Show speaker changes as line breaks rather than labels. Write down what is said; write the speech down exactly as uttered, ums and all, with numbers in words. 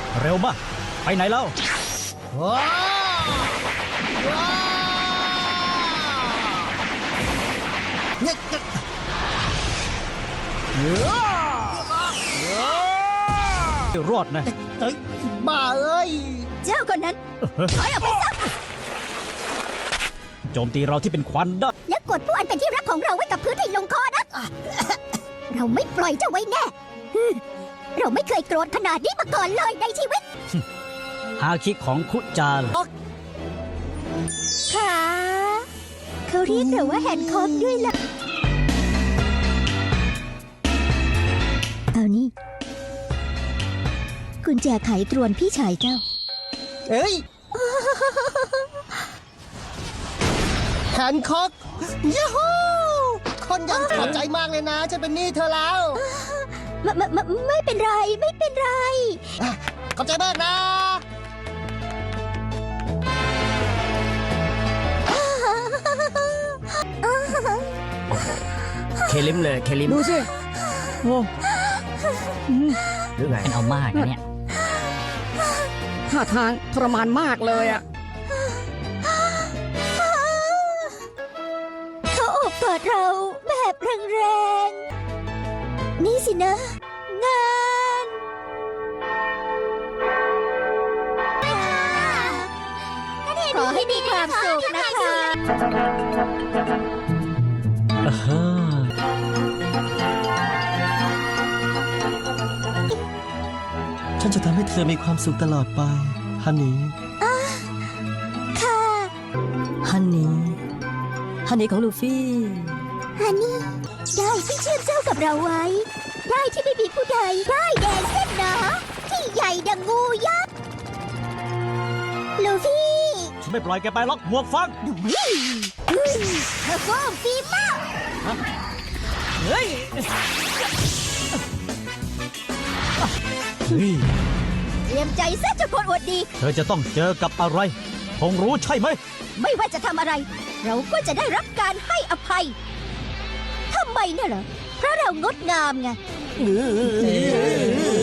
เร็วมากไปไหนแล้ว
ว้าวว้าวเนี่ยจะ
รอดนะ
เฮ้ยบ้าเอ้ย
เจ้าคนนั้นถอยออกไปซะ
โจมตีเราที่เป็นควันได้
แล้วกดผู้อันเป็นที่รักของเราไว้กับพื้นให้ลงคอนะ เราไม่ปล่อยเจ้าไว้แน่ เราไม่เคยโกรธขนาดนี้มาก่อนเลยในชีวิต
ฮาคิของคุจาเหรอ
ค่ะเขาเรียกเราว่าแฮนด์คอฟด้วยล่ะ เอานี่กุญแจไขตรวนพี่ชายเจ้า
เฮ้ยแฮนคอกยูฮูคนยังขอบใจมากเลยนะจะเป็นหนี้เธอแล้ว
ไม่ไม่ไม่ไม่เป็นไรไม่เป็นไร
อ่ะขอบใจมากนะ
เคลิมเลยเคลิม
ดูสิโอ้
หรือไง
เอามากนะเนี่ย
ท่าทางทรมานมากเลยอะ
เขาโอบกอดเราแบบแรงๆ นี่สินะ งานขอให้มีความสุขนะคะ
อ่าฮะ
ฉันจะทำให้เธอมีความสุขตลอดไปฮันนี่
ค่ะ
ฮันนี่ฮันนี่ของลูฟี่
ฮันนี่ ได้ที่เชื่อมเจ้ากับเราไว้ ได้ที่ไม่มีผู้ใดได้แดงเส้นหนาที่ใหญ่ดังงูยักษ์ ลูฟี่
ฉันไม่ปล่อยแกไปล็อกหมวกฟัง
เธอโกงฟีมาก
เฮ้ยเฮ้ย
เตรียมใจซะเจ้าคนอวดดี
เธอจะต้องเจอกับอะไรคงรู้ใช่ไหม
ไม่ว่าจะทำอะไร เราก็จะได้รับการให้อภัย ทำไมน่ะเหรอ เพราะเรางดงามไง